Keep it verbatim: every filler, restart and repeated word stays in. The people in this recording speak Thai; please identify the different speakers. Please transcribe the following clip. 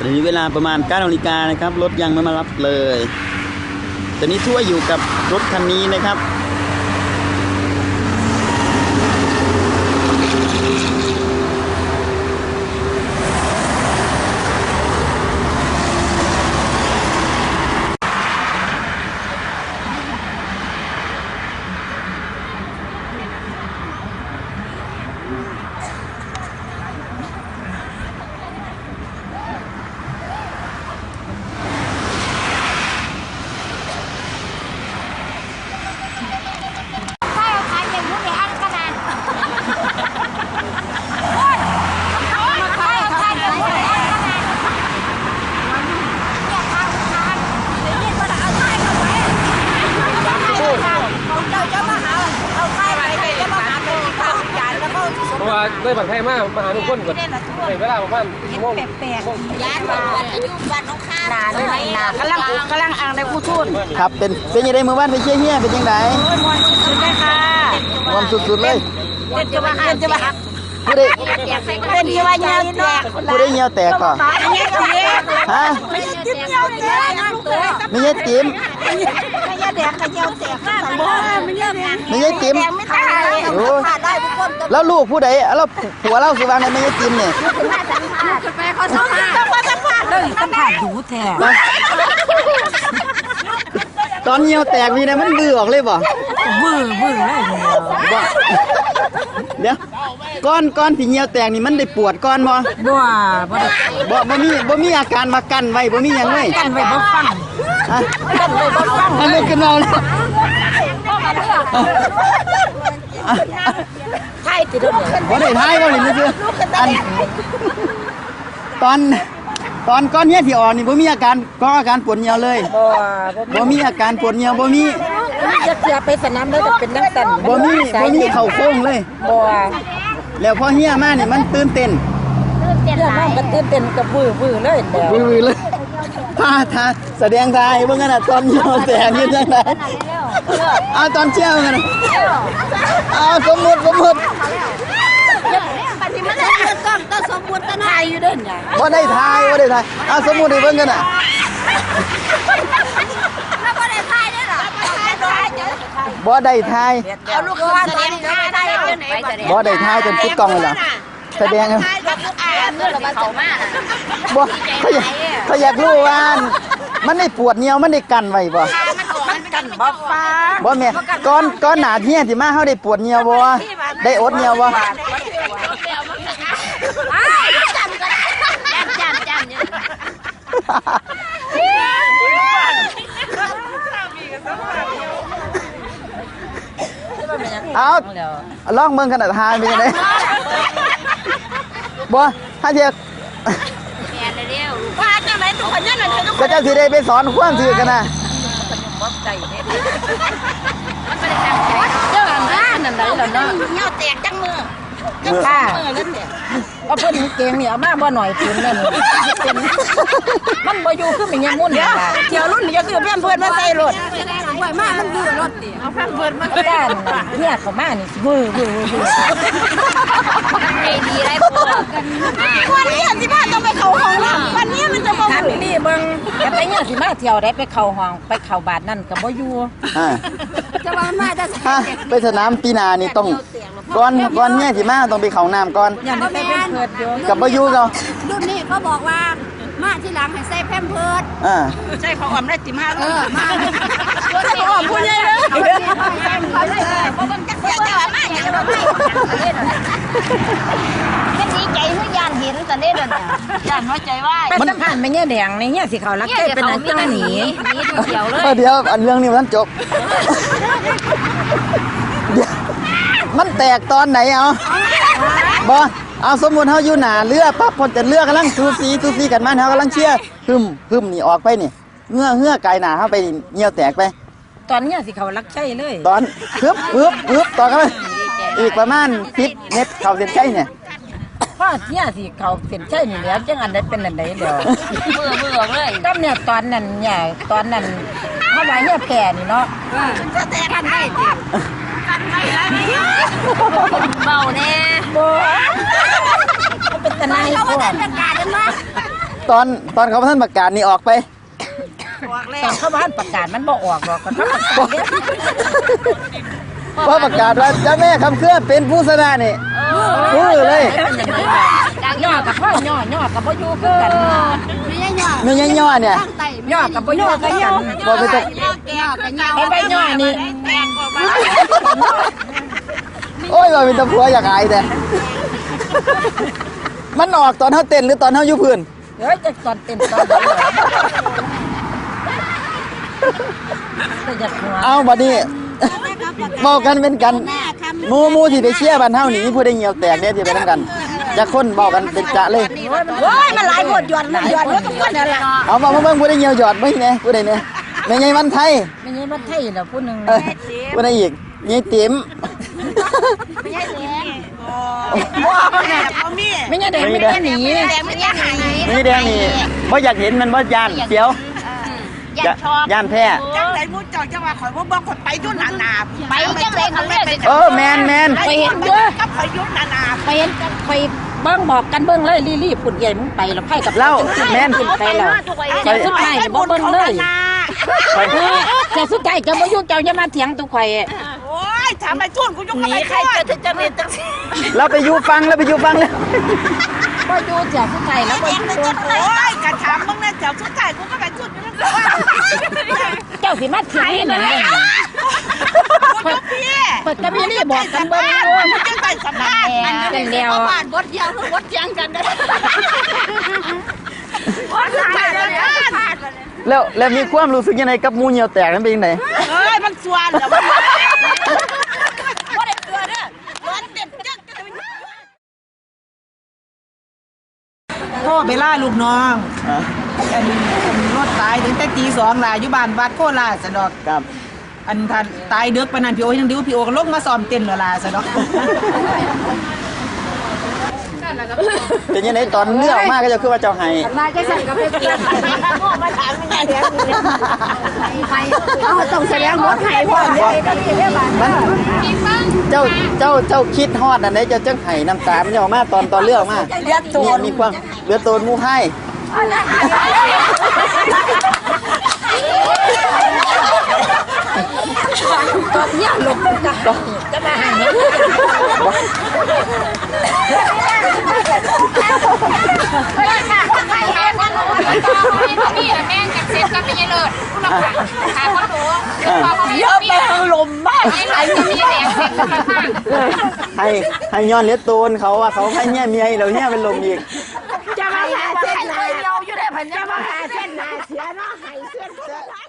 Speaker 1: หรือเวลาประมาณเก้านาฬิกานะครับรถยังไม่มารับเลยตอนนี้ทั่วอยู่กับรถคันนี้นะครับ
Speaker 2: เพราะว่าด้วยบังไทยมากมาหาทุกคนก่อนในเวลาประมาณชั่วโมงแปลกๆย้ายบ้านอายุบ้านน้องข้านาเลยนากำลังกำลังอ่างได้ผู้ทุน
Speaker 1: ครับเป็นเป็นยังไงเมื่อวานไปเชี่ยเฮียเป็นยังไง
Speaker 2: สุดเลยค่ะ
Speaker 1: ความสุดๆเลย
Speaker 2: เป็นจะมาเป็นจะมา
Speaker 1: ผู้ได้
Speaker 2: เป็นจะมาเงี้ยแตก
Speaker 1: ผู้ได้เงี้ยแตกก่อนฮะ
Speaker 2: ไม่ใช่จิ้มเงี้ยแตก
Speaker 1: ไม่ใช่จิ้ม
Speaker 2: ไม่ใช่แดงกับเงี้ยแตกไม่ใช่
Speaker 1: ไม่ใช่จิ้มแล้วลูกผู้ใดแล้วผัวเล่าสุวรรณไม่ใช่จิ้มเนี่ย
Speaker 2: ไปเขาสัมภาษณ์ต้องสัมภาษณ์เลยสัมภาษณ์ดูแท้
Speaker 1: ตอนเงี้ยแตกมีนะมันบื้อออกเลยบ่
Speaker 2: บื้อบื้อเลย
Speaker 1: บ่เดี๋ยวก้อนก้อนที่เงี้ยวแตกนี่มันได้ปวดก้อนบ่
Speaker 2: บ่บ่
Speaker 1: บ่บ่มีบ่มีอาการมากั้นไว้บ่มีหยังเลย
Speaker 2: กั้นไว้บ่ฟัง
Speaker 1: ฮะกั้นไว้บ่ฟังมันไม่ขึ้นเอาเลย
Speaker 2: ไทยติดด้วย
Speaker 1: บ่ได้ทายบ่นี่มันคืออันตอนตอนก้อนเนี้ยที่อ่อนนี่บ่มีอาการก็อาการปวดเหี่ยวเลยบ่บ่มีอาการปวดเหี่ยวบ่มี
Speaker 2: จะเสียไปสนามแล้วจะเป็นน้ำตัน
Speaker 1: บ่มีบ่มีเข่าโค้งเลย
Speaker 2: บ่
Speaker 1: แล้วพอเหี่ยมานี่มันตื่นเต้น
Speaker 2: ตื่นเต้นหลายมันตื่นเต้นกับบื้อบื้อเลยแล้ว
Speaker 1: บื้อเลยท่าท่าแสดงท่าให้เบิ่งกันน่ะตอนเหี่ยวแตกนี่จังได๋เอาตอนเชี่ยวกันเอาสมมุติสมมุติ
Speaker 2: ปฏิมาได้กล้องก็สมมุติถ่ายอยู่เด้อเนี่ย
Speaker 1: บ่ได้ถ่ายบ่ได้ถ่ายเอาสมมุติให้เบิ่งกันน่ะ
Speaker 2: แล้วบ่ได้ถ่ายได้หรอ
Speaker 1: บ่ได้ถ่าย
Speaker 2: เอาลูกขึ้นแสดงท่าได้จังได๋
Speaker 1: บ่ได้ถ่ายจนปิดกล้องเลยล่ะแสดงบ่เขาอยากเขาอยากรู้ว่ามันได้ปวดเหนียวมันได้กันไว้บ่
Speaker 2: มันกันบ่ฟ้า
Speaker 1: บ่แม่ก้อนก้อนหนาเหี้ยสิมาเฮาได้ปวดเหนียวบ่ได้อดเหนียวบ่เอาลองเบิ่งขนาดทานเป็นยังไงบ่ถ้าเทียบ
Speaker 2: ว่าจังได๋ทุกคนนั่นน่ะทุกคน
Speaker 1: ก็จะสิได้ไปสอนความถือกันนะ
Speaker 2: บ่ใจเด้เด้อนั่นได้แล้วเนาะเหี่ยวแตกจังมือจังค่ะเอาเพิ่นเก่งนี่เอามาบ่หน่อยปืนนั่นเป็นมันบ่อยู่คือมันยังมุ่นล่ะเที่ยวรุ่นนี่ก็คือเพิ่นเพิ่นมาใส่รถไว้มามันดื้อรถติเอาเพิ่นเพิ่นมาด้านเนี่ยเข้ามานี่วื้อวื้อวื้อไอ้ดีไรพวกวันนี้สิมาต้องไปเข้าห้องแล้ววันนี้มันจะบ่ถามนี่เบิ่งแต่ไปเนี่ยสิมาเที่ยวได้ไปเข้าห้องไปเข้าบาทนั่นก็บ่อยู่
Speaker 1: อ่า
Speaker 2: จะว่ามาจะ
Speaker 1: ไปสนามปีนานี่ต้องก่อนก่อนเนี่ยสิมาต้องไปเข้าน้ำก่อน
Speaker 2: อย่างนี้ไปเพิดอยู่
Speaker 1: กับบ่อยู่เนาะ
Speaker 3: รุ่นนี้เขาบอกว่ามาที่หลังให้ใส่แพมเพิร์ด
Speaker 1: อ่า
Speaker 2: ใส่ของออมได้สิมา
Speaker 3: เออมา
Speaker 2: ใส่ของออมผู้ใหญ่เลยบ่ต้องจักเสียเจ้ามาอย่าบ่ให้แค่นี้ใจคือยานเห็นตอนนี้เด้อน่ะยานหัวใจว่ามันผ่านไปเนี่ยแดงในเนี่ยสิเขารักใจเป็นอันจังหนีหนีเดียวเลย
Speaker 1: เดี๋ยวอันเรื่องนี้มันจบมันแตกตอนไหนเอาบ่เอาสมมุติเฮาอยู่หน้าเรือปั๊บพอจะเรือกำลังสูสีสูสีกันมาเฮากำลังเชียร์หึมหึมนี่ออกไปนี่เงื่อเงื่อไกลหน้าเฮาไปเหี่ยวแตกไป
Speaker 2: ตอนเนี้ยสิเขารักใจเลย
Speaker 1: ตอนฮึบฮึบฮึบต่อกันอีกประมาณสิบเมตรเข้าเส้นชัยเนี่ย
Speaker 2: พอเนี่ยสิเขาเส้นชัยนี่แล้วจังอันใดเป็นอันใดเดี๋ยวมือมือเลยตอนเนี่ยตอนนั้นเนี่ยตอนนั้นเฮาว่าเนี่ยแผ่นี่เนาะจะแตกกันได้ติกันได้เบาแน่บ่เป็นตะไนพวก
Speaker 1: ตอนตอนเขาท่านประกาศนี่ออกไป
Speaker 2: ตอนเข้าบ้านประกาศมันบ่ออกหรอกก็ต้องประกาศเนี่ย
Speaker 1: พอประกาศว่าเจ้าแม่คำเคลื่อนเป็นผู้ชนะนี่ฟื้อเลย
Speaker 2: ย่อกับพ่อย่อย่อกับพ่อยู่คือกัน
Speaker 3: ไม่ใช่ย่อ
Speaker 1: ไม่ย่อย่อเนี่ย
Speaker 3: ตั้งไต
Speaker 2: ย่อกับพ่อยู่คือกัน
Speaker 1: บอกไปตก
Speaker 3: ย่อแก้วกับย่อ
Speaker 2: ไปไปย่อนี่
Speaker 3: แตงกว่า
Speaker 1: โอ้ยว่าเป็นตะพัวอยากอายแต่มันออกตอนเท่าเต้นหรือตอนเท่ายุพื้น
Speaker 2: เฮ้ยจะตอนเต้นตอนเดียวแต่จะหัว
Speaker 1: เอาบัดนี้บอกกันเป็นกันหมูหมูที่ไปเชียร์บ้านเฮานี่มีผู้ได้เหี่ยวแตกเนี่ยที่ไปนํกันจะคนบอกกันเป็นจะเลย
Speaker 2: โอ้ยมันหลายคนหยอดมันหยอดมันก็คนนั่นแหละ
Speaker 1: เอามาเบิ่งผู้ได้เหี่ยวหยอดเบิ่งแหน่ผู้ใดเนี่ยแม่ใหญ่วันไทย
Speaker 2: ไม่ใช่มันไทยหรอกผู้หนึ่ง
Speaker 1: เออผู้ใดอีกยายติ๋ม
Speaker 3: ไม่ใช่แดง
Speaker 2: ไม่ใช่เด็กไม่ใช่หนี
Speaker 3: แดงไม่ใช่หาย
Speaker 1: นี่แดงนี่บ่อยากเห็นมันบ่ย่านเสียว
Speaker 3: อยากชอบ
Speaker 1: ย่านแพ้
Speaker 4: จังไหนมูเจ้าจังว่าข่อยบ่บอกข่อยไปอยุ่นหนาหนา
Speaker 3: ไปจังเลยเขาเลย
Speaker 1: เออแมนแมน
Speaker 2: ไปเห็นเยอะ
Speaker 4: กับข่อยอยุ่นหนาหนา
Speaker 2: ไปเห็นไปเบิ้งบอกกันเบิ้งเลยรีบๆปุ่นใหญ่มึงไปแล้วไพ่กับ
Speaker 1: เล่าแมน
Speaker 2: ขึ้นไปแล้วเจ้าสุดท้ายบ่เบิ้งเลย
Speaker 1: ไป
Speaker 2: เออเจ้าสุดท้ายเจ้าบ่ยุ่งเจ้าอย่ามาเถียงตุกข่อย
Speaker 4: โอ้ยถามไปทุ่นกูยุ่งกับไป
Speaker 2: ใคร
Speaker 4: ทุ่น
Speaker 2: จะจะเรียนจังซี่
Speaker 1: เราไปอยู่ฟังแล้วไปอยู่ฟังแล้ว
Speaker 2: บ่อยู่เจ้าสุดท้ายแล้วบ่อยู่
Speaker 4: โอ้ยกะถามมึงนะเจ้าสุดท้ายกูก็ไปทุ่นอยู่นั่นแหละ
Speaker 2: เจ้าสิมาเถียงนี่นั่น
Speaker 4: กูยุ่งพี่
Speaker 2: เปิดกระบี่นี่บอกกันเบิ้งโอ้ย
Speaker 4: มึงจังไปสัมภาษณ์
Speaker 2: เป็นเดียว
Speaker 3: บ้านบดเดียวคือบดเทียงกันได้
Speaker 4: ว่าสุดท้ายแล้วเนี่ย
Speaker 1: แล้วแล้วมีความรู้สึกยังไงกับหมูเหี่ยวแตกนั้นเป็นยังไง
Speaker 4: เอ้ยมันสวนแล้วมัน
Speaker 3: บ่ได้เกลือเด้อร้อนเด็ดจัก
Speaker 4: พ่อไปล่าลูกน้องอันรถตายถึงแต่ตีสองล่ะอยู่บ้านวัดโคราชสะดอก
Speaker 1: ครับ
Speaker 4: อันทันตายเด็กปานนันพี่โอยังดิวพี่โอก็ลงมาซ้อมเต้นแล้วล่ะสะดอก
Speaker 1: เป็นยังไงตอนเลือกออกมาก็จะคือว่าเจ้าไห้
Speaker 2: มาจะสั่งกับไปกินมาถามยังไงเดี๋ยวใครเอาต้องแสดงหมดให้พ่อเลยก็มีเรื่องบ้าน
Speaker 1: เจ้าเจ้าเจ้าคิดฮอดอันไหนเจ้าจังไห้น้ำตามันออกมาตอนตอนเลือกออกมา
Speaker 2: เลือดตัว
Speaker 1: มีมีความเลือดโตนหมูไห้
Speaker 2: ตอนนี้หลบกันจะมาหาเนี่ย
Speaker 3: นี่แม่งกับเซ็ตก็ไม่ใช่เลิศคุณละค่ะหาคนดู
Speaker 2: เยอะไปลมมาก
Speaker 3: ไอ้ที่นี่แดงเซ็ตก็ข้าง
Speaker 1: ให้ให้ย้อนเลือดโตนเขาว่าเขาให้เนี่ยเมียเราเนี่ยเป็นลมอีก
Speaker 2: จะมาหาเส้นนาเยาอยู่ได้พันจะมาหาเส้นนาเสียเนาะหายเส้น